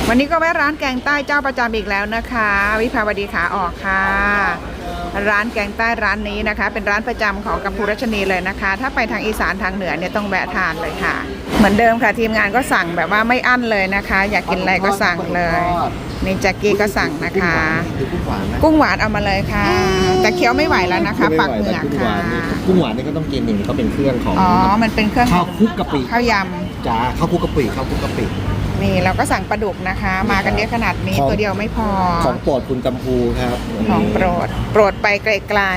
วันนี้ก็แวะร้านแกงใต้เจ้าประจำอีกแล้วนะคะวิภาวดีขาออกค่ะร้านแกงใต้ร้านนี้นะคะเป็นร้านประจำของกัมพูรัชนีเลยนะคะถ้าไปทางอีสานทางเหนือเนี่ยต้องแวะทานเลยค่ะเหมือนเดิมค่ะทีมงานก็สั่งแบบว่าไม่อั้นเลยนะคะ อยากกินอะไรก็สั่งเลยนี่แจ็คกี้ก็สั่งนะคะกุ้งหวานเอามาเลยค่ะแต่เคี้ยวไม่ไหวแล้วนะคะปักเหงือกค่ะกุ้งหวานนี่ก็ต้องกินหนึ่งเขาเป็นเครื่องของอ๋อมันเป็นเครื่องข้าวคลุกกะปิข้าวยำจ้าข้าวคลุกกะปินี่เราก็สั่งปลาดุกนะคะ มากันเยอะขนาดนี้ตัวเดียวไม่พอของโปรดคุณกัมพูครับของโปรดไปไกล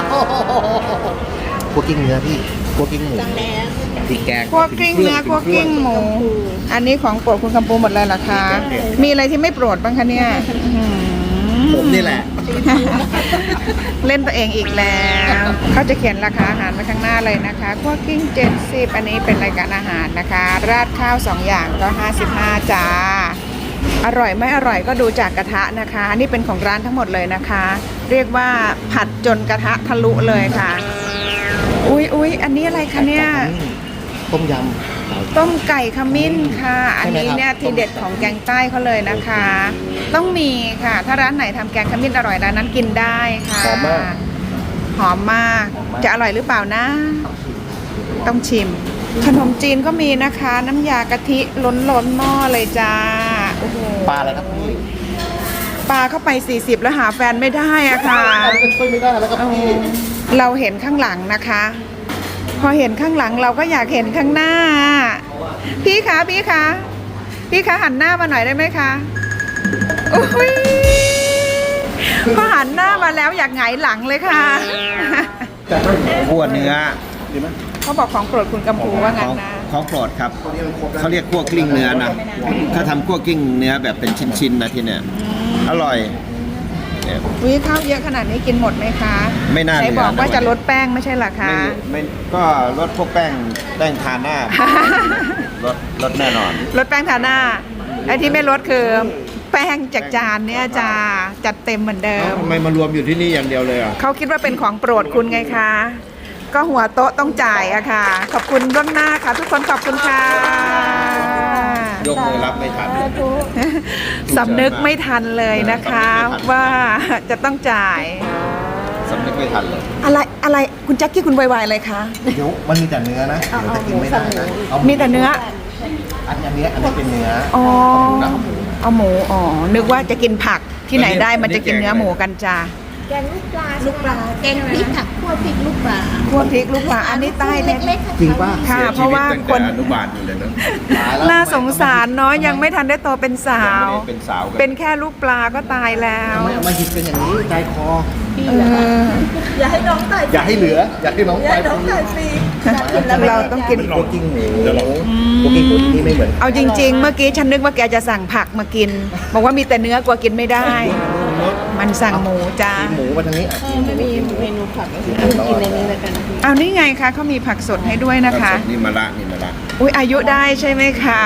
คั่วกิ้งเนื้อพี่คั่วกิ้งหมูพริกแกงคั่วกิ้งเนื้อคั่วกิ้งหมูอันนี้ของโปรดคุณกัมพูหมดเลยเหรอคะมีอะไรที่ไม่โปรดบ้างคะเนี่ยผมนี่แหละเล่นตัวเองอีกแล้วเขาจะเขียนราคาอาหารไว้ข้างหน้าเลยนะคะคั่วกิ้ง70อันนี้เป็นรายการอาหารนะคะราดข้าว2อย่างก็55จ้าอร่อยไม่อร่อยก็ดูจากกระทะนะคะนี่เป็นของร้านทั้งหมดเลยนะคะเรียกว่าผัดจนกระทะทะลุเลยค่ะอุ๊ยอันนี้อะไรคะเนี่ยต้มยำต้มไก่ขมิ้นค่ะอันนี้เนี่ยทีเด็ดของแกงใต้เขาเลยนะคะต้องมีค่ะถ้าร้านไหนทำแกงขมิ้นอร่อยร้านนั้นกินได้ค่ะหอมมากจะอร่อยหรือเปล่านะต้องชิมขนมจีนก็มีนะคะน้ำยากะทิล้นหม้อเลยจ้าโอ้โหปลาอะไรครับพี่ปลาเข้าไป40แล้วหาแฟนไม่ได้อะค่ะช่วยไม่ได้แล้วครับพี่เราเห็นข้างหลังนะคะพอเห็นข้างหลังเราก็อยากเห็นข้างหน้าพี่คะหันหน้ามาหน่อยได้ไหมคะโอ้ยพอหันหน้ามาแล้วอยากหงายหลังเลยค่ะคั่วเนื้อเขาบอกของโปรดคุณกัมพูว่างั้นนะของโปรดครับเขาเรียกคั่วกลิ้งเนื้อนะถ้าทำคั่วกลิ้งเนื้อแบบเป็นชิ้นๆนะที่เนี่ยอร่อยวิข้าวเยอะขนาดนี้กินหมดไหมคะไม่น่าไหนบอกว่าจะลดแป้งไม่ใช่หรอคะไม่ก็ลดพวกแป้งทาหน้าลดแน่นอนลดแป้งทาหน้าไอ้ที่ไม่ลดคือแป้งจากจานเนี่ยจะจัดเต็มเหมือนเดิมทำไมมารวมอยู่ที่นี่อย่างเดียวเลยอ่ะเขาคิดว่าเป็นของโปรดคุณไงคะก็หัวโต๊ะต้องจ่ายอะค่ะขอบคุณล่วงหน้าค่ะทุกคนขอบคุณค่ะยกมือรับไม่ทันสำนึกไม่ทันเลยนะคะว่าจะต้องจ่ายสำนึกไม่ทันเลยอะไรคุณแจ็คกี้คุณวายๆเลยคะเดี๋ยวมันมีแต่เนื้อนะเดี๋ยวจะกินไม่ได้นะมีแต่เนื้ออันนี้เป็นเนื้ออ๋อเอาหมูอ๋อนึกว่าจะกินผักที่ไหนได้มันจะกินเนื้อหมูกันจ้าแกงลูกปลาแกงพริกค่ะคั่วพริกลูกปลาอันนี้ใต้เล็กๆจริงป่ะค่ะเพราะว่าคนอนุบาลอยู่เลยนะน่าสงสารเนาะยังไม่ทันได้โตเป็นสาวเป็นแค่ลูกปลาก็ตายแล้วไม่เอามาหยิบเป็นอย่างนี้ใจคออย่าให้น้องตายอย่าให้เหลืออย่าให้น้องตายฟรีเราต้องกินโคกิ้งหมูโคกิ้งหมูที่ไม่เหมือนเอาจริงๆเมื่อกี้ฉันนึกว่าแกจะสั่งผักมากินบอกว่ามีแต่เนื้อกลัวกินไม่ได้มันสั่งหมูจ้าหมูมาทางนี้มีเมนูผักกินในนี้เลยกันเอานี่ไงคะเขามีผักสดให้ด้วยนะคะนี่มะระอุ้ยอายุได้ใช่ไหมคะ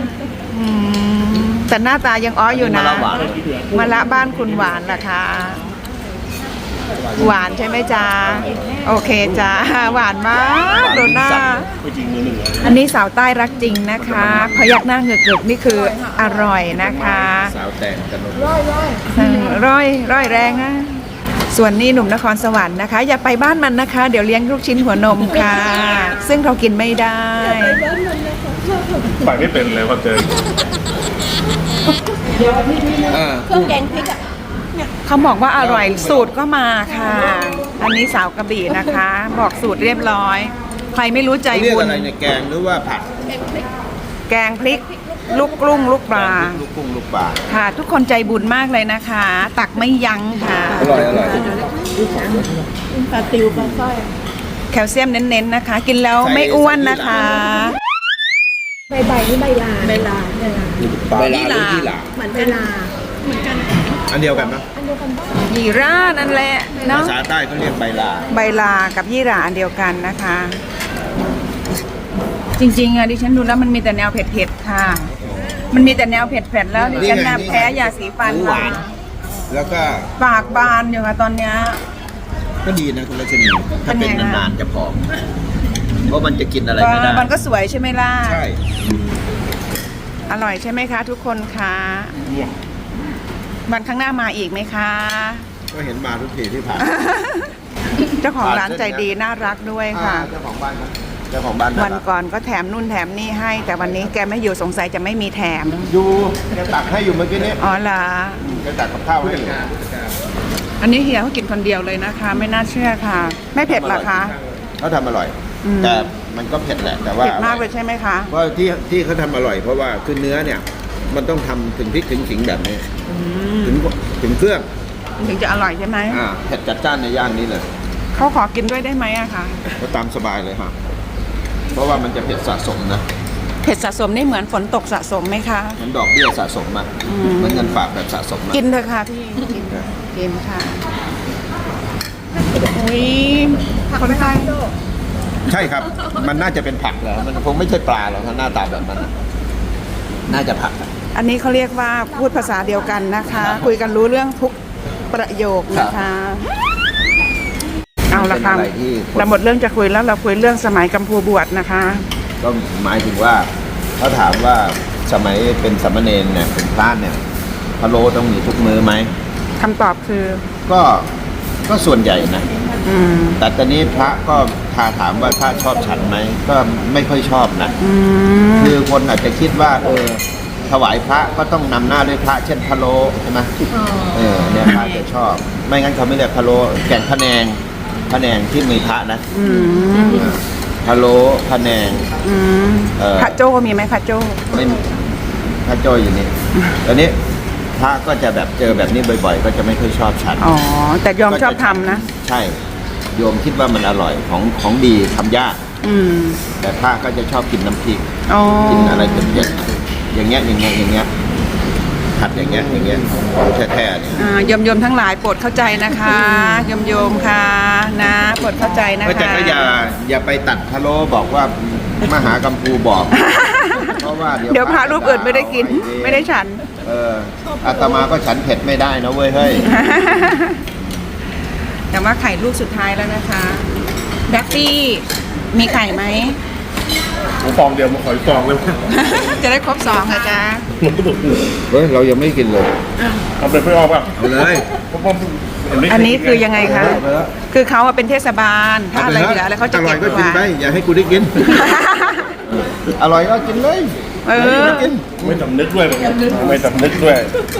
แต่หน้าตายังอ้ออยู่นะมะระบ้านคุณหวานล่ะคะหวานใช่ไหมจ๊ะโอเคจ้าหวานมากดูหน้าอันนี้สาวใต้รักจริงนะคะพยักหน้าเหงือกๆนี่คืออร่อยนะคะสาวแต่งกันร่อยแรงนะส่วนนี้หนุ่มนครสวรรค์นะคะอย่าไปบ้านมันนะคะเดี๋ยวเลี้ยงลูกชิ้นหัวนมค่ะซึ่งเรากินไม่ได้ไปไม่เป็นเลยพอเจอเครื่องแกงพริกอ่ะเขาบอกว่าอร่อยสูตรก็มาค่ะอันนี้สาวกระบี่นะคะบอกสูตรเรียบร้อยใครไม่รู้ใจบุญเรียกอะไรเนี่ยแกงหรือว่าผัดแกงพริกลูกกรุ้งลูกปลาค่ะทุกคนใจบุญมากเลยนะคะตักไม่ยั้งค่ะอร่อยปลาติวปลาสร้อยแคลเซียมเน้นๆนะคะกินแล้วไม่อ้วนนะคะใบนี่ใบลาเหมือนใบลาอันเดียวกันปะยี่รานั่นแหละเนาะภาษาใต้เขาเรียกใบลากับยี่ราอันเดียวกันนะคะจริงๆอะดิฉันดูแล้วมันมีแต่แนวเผ็ดๆค่ะมันมีแต่แนวเผ็ดๆแล้วดิฉันแพ้ยาสีฟันมาแล้วก็ปากบานอยู่ค่ะตอนเนี้ยก็ดีนะคุณรัชนีถ้าเป็นนานๆจะผอมเพราะมันจะกินอะไรไม่ได้มันก็สวยใช่ไหมล่ะใช่อร่อยใช่ไหมคะทุกคนคะวันข้างหน้ามาอีกไหมคะก็เห็นมาทุกทีที่ผ่านเจ้าของร้านใจดีน่ารักด้วยค่ะเจ้าของบ้านครับเจ้าของบ้านวันก่อนก็แถมนู่นแถมนี่ให้ แต่วันนี้แกไม่อยู่สงสัยจะไม่มีแถมอยู่แกตักให้อยู่เมื่อกี้นี้อ๋อเหรอแกตักกับข้าวให้อยู่อันนี้เฮียเขากินคนเดียวเลยนะคะ ไม่น่าเชื่อค่ะ ไม่เผ็ดเหรอคะเขาทำอร่อยอืมแต่มันก็เผ็ดแหละแต่ว่าเผ็ดมากเลยใช่ไหมคะเพราะที่เขาทำอร่อยเพราะว่าคือเนื้อเนี่ย มันต้องทำถึงพริกถึงขิงแบบนี้อืมถึงเครื่องถึงจะอร่อยใช่ไหมเผ็ดจัดจ้านในย่านนี้เลยเขาขอกินด้วยได้ไหมอะคะก็ตามสบายเลยฮะเพราะว่ามันจะเผ็ดสะสมนะเผ็ดสะสมนี่เหมือนฝนตกสะสมไหมคะเหมือนดอกเบี้ยสะสมอะอืมเหมือนเงินฝากแบบสะสมนะกินเถอะค่ะพี่กินค่ะอุ้ยคนไทยใช่ครับ มันน่าจะเป็นผักเหรอมันคงไม่ใช่ปลาหรอกถ้าหน้าตาแบบนั้นน่ะน่าจะผักอะอันนี้เขาเรียกว่าพูดภาษาเดียวกันนะคะ คุยกันรู้เรื่องทุกประโยคนะคะ เอาละค่ะเป็นอะไรที่คนเราหมดเรื่องจะคุยแล้วเราคุยเรื่องสมัยกัมพูบวชนะคะก็หมายถึงว่าเขาถามว่าสมัยเป็นสามเณรเนี่ยเป็นพระเนี่ยพะโล้ต้องมีทุกมื้อไหมคำตอบคือก็ส่วนใหญ่นะอืมแต่ตอนนี้พระก็ถามว่าพระชอบฉันไหมก็ไม่ค่อยชอบนะอืมคือคนอาจจะคิดว่าถวายพระก็ต้องนำหน้าด้วยพระเช่นพะโล้ใช่ไหมเนี่ยพระจะชอบ ไม่งั้นเขาไม่เรียกพะโล้แกงพะแนงที่มีพระนะอืมพะโล้พะแนงอืม พระโจ้มีไหมพระโจ้ไม่มีพระโจอยู่นี่ตอนนี้พระก็จะแบบเจอแบบนี้บ่อยๆ ก็จะไม่ค่อยชอบฉันอ๋อ แต่ยอมชอบทำนะใช่ โยมคิดว่ามันอร่อยของดีทำยากอืมแต่พระก็จะชอบกินน้ำพริกอ๋อกินอะไรเผ็ดๆอย่างเงี้ยผัดอย่างเงี้ยของแท้ๆเนี่ยโยมทั้งหลายโปรดเข้าใจนะคะโยมค่ะนะโปรดเข้าใจนะคะก็แต่ก็อย่าไปตัดพะโล้บอกว่ามหากัมพูบอก เพราะว่าเดี๋ยวพระรูปอื่นไม่ได้กิน ไม่ได้ฉันอาตมาก็ฉันเผ็ดไม่ได้นะเว้ยเฮ้ยแต่ว่าไข่ลูกสุดท้ายแล้วนะคะแบ็คตี้มีไข่ไหมผมฟองเดียวมาขออีกฟองเลยจะได้ครบ2ค่ะจ๊ะเฮ้ยเรายังไม่กินเลยเอาไปไม่ออกป่ะเอาเลยผมเห็นไม่อันนี้คือยังไงคะเอาไปแล้วคือเขาเป็นเทศบาล ถ้าอะไรเหลือแล้วเขาจะอร่เก็อยบก็กินไว้ไปอย่าให้กูได้กิน อร่อยก็กินเลยเออย่าให้กูได้กินไม่สำนึกด้วยไม่สำนึกด้วย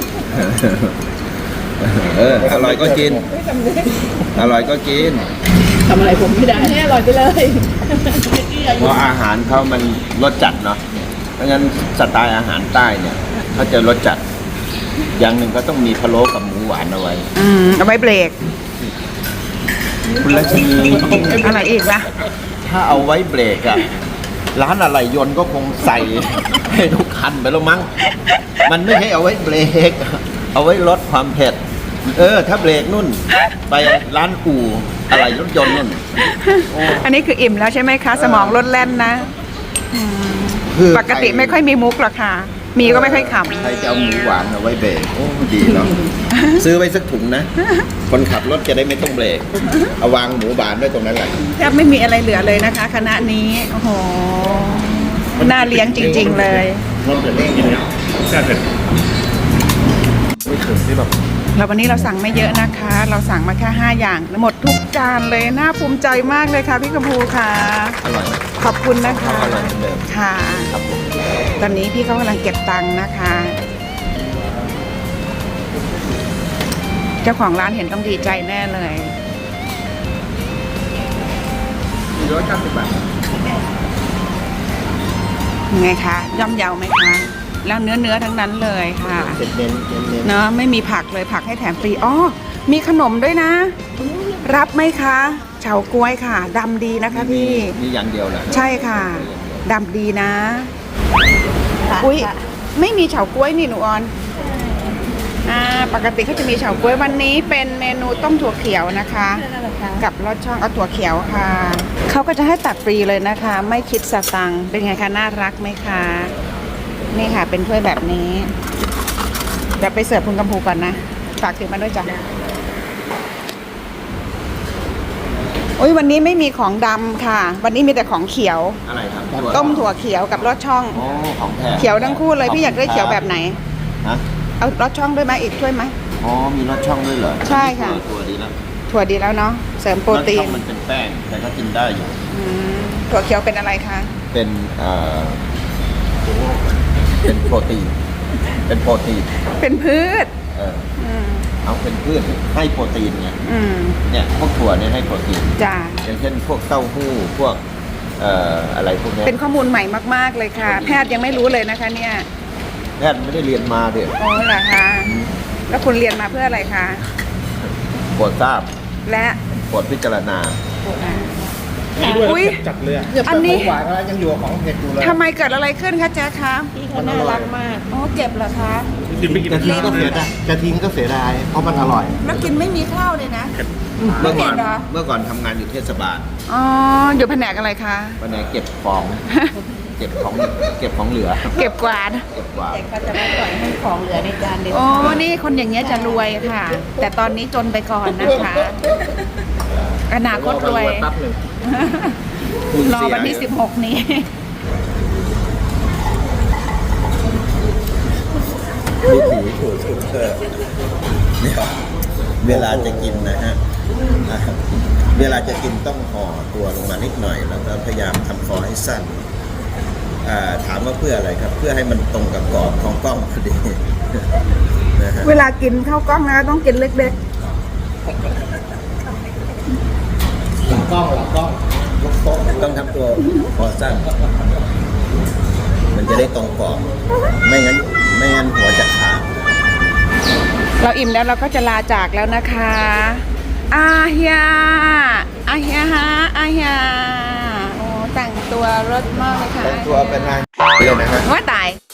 อร่อยก็กินอร่อยก็กินทำอะไรผมไม่ได้ให้อร่อยไปเลยเพราะอาหารเขามันรสจัดเนาะเพราะงั้นสไตล์อาหารใต้เนี่ยเขาจะรสจัด อย่างหนึ่งก็ต้องมีพะโล้กับหมูหวานเอาไว้เอาไว้เบรกคุณรัชนีอะไรอีกล่ะถ้าเอาไว้เบรกอะร้านอะไรยนต์ก็คงใส่ให้ทุกคันไปแล้วมั้ง มันไม่ใช่เอาไว้เบรก เอาไว้ลดความเผ็ด ถ้าเบรกนุ่น ไปร้านอู่อะไรรถยนต์นุ่นอันนี้คืออิ่มแล้วใช่ไหมคะ สมองลดแล่นนะคือปกติไม่ค่อยมีมุกหรอกค่ะ มีก็ไม่ค่อยขำใครจะเอาหมูหวานเอาไว้เบรกโอ้ดีเนาะ ซื้อไว้สักถุงนะ คนขับรถจะได้ไม่ต้องเบรก เอาวางหมูหวานไว้ตรงนั้นแหละแทบไม่มีอะไรเหลือเลยนะคะ คณะนี้ โอ้โห น่าเลี้ยงจริง ๆ เลยรสเผ็ดกินเนี่ยแค่เผ็ดไม่ถึงที่แบบแล้ววันนี้เราสั่งไม่เยอะนะคะ เราสั่งมาแค่5อย่างหมดทุกจานเลย น่าภูมิใจมากเลยค่ะพี่กำพูค่ะอร่อยไหมขอบคุณนะคะอร่อยเหมือนเดิมค่ะครับผมตอนนี้พี่เขากำลังเก็บตังค์นะคะ เจ้าของร้านเห็นต้องดีใจแน่เลย 490 บาทยังไงคะย่อมเยาไหมคะ แล้วเนื้อทั้งนั้นเลยค่ะเน้นเนาะไม่มีผักเลยผักให้แถมฟรีอ๋อมีขนมด้วยนะ รับไหมคะเฉาก๊วยค่ะดำดีนะคะพี่มีอย่างเดียวแหละใช่ค่ะดำดีนะ อุ้ยไม่มีเฉาก๊วยนี่หนูออนปกติเขาจะมีเฉาก๊วยวันนี้เป็นเมนูต้มถั่วเขียวนะคะ กับรสช่องเอาถั่วเขียวค่ะเขาก็จะให้ตักฟรีเลยนะคะ ไม่คิดสตังค์เป็นไงคะน่ารักไหมคะนี่ค่ะเป็นถ้วยแบบนี้เดี๋ยวไปเสิร์ฟคุณกำพูก่อนนะฝากถือมาด้วยจ้ะโอ้ยวันนี้ไม่มีของดำค่ะ วันนี้มีแต่ของเขียวอะไรครับต้มถั่วเขียวกับลอดช่องโอ้ของแท้เขียวทั้งคู่เลยพี่อยากได้เขียวแบบไหนฮะเอาลอดช่องด้วยไหมอีกถ้วยไหมอ๋อมีรสช่องด้วยเหรอใช่ค่ะตัวดีแล้วถั่วดีแล้วเนาะเสริมโปรตีรสช่อน งมันเป็นแป้งแต่ก็กินได้อยู่อืมถั่วเขียวเป็นอะไรคะเป็นเป็นโปรตีน เป็นโปรตีนเป็นพืชเอออืมเอาเป็นพืชให้โปรตีนไงอืมเนี่ยพวกถั่วเนี่ยให้โปรตีนจ้าอย่างเช่นพวกเต้าหู้พวกอะไรพวกเนี้ยเป็นข้อมูลใหม่มากๆเลยค่ะ แพทย์ยังไม่รู้เลยนะคะเนี่ยแพทย์ไม่ได้เรียนมาเด็กโอ้เหรอคะแล้วคุณเรียนมาเพื่ออะไรคะโปรดทราบและโปรดพิจารณาอุ๊ยจัดเลยอะอันนี้หวานแล้วยังอยู่ของเผ็ดอยู่เลยทำไมเกิดอะไรขึ้นคะแจ๊คคะพี่เขาน่ารักมากอ๋อเจ็บเหรอคะกินไปกินจะทิ้งก็เสียดายจะทิ้งก็เสียดายเพราะมันอร่อยแล้วกินไม่มีข้าวเลยนะเมื่อก่อนเผ็ดเหรอเมื่อก่อนทำงานอยู่เทศบาลอ๋ออยู่แผนกอะไรคะวันไหนเก็บของ เก็บของเหลือเก็บกวาดเก็บกวาดแต่เขาจะไม่ปล่อยให้ของเหลือในจานเด็ดโอ้นี่คนอย่างเงี้ยจะรวยค่ะ แต่ตอนนี้จนไปก่อนนะคะ อนาคตรวยแป๊บหนึ่งรอวันที่ 16 นี้วิถีถูกสุดเถอะเนี่ยเวลาจะกินนะฮะเวลาจะกินต้องห่อตัวลงมานิดหน่อย แล้วก็พยายามทำคอให้สั้นถามว่าเพื่ออะไรครับ เพื่อให้มันตรงกับกรอบของกล้องพอดีนะฮะเวลากินข้าวกล้องนะต้องกินเล็กต้องทำตัวคอสั้น มันจะได้ตรงกรอบไม่งั้นหัวจะขาดๆ เราอิ่มแล้วเราก็จะลาจากแล้วนะคะอาเฮียอาเฮียฮะอาเฮียโอ้แต่งตัวรสมากเลยค่ะแต่งตัวเป็นนายเลยนะฮะว่าตาย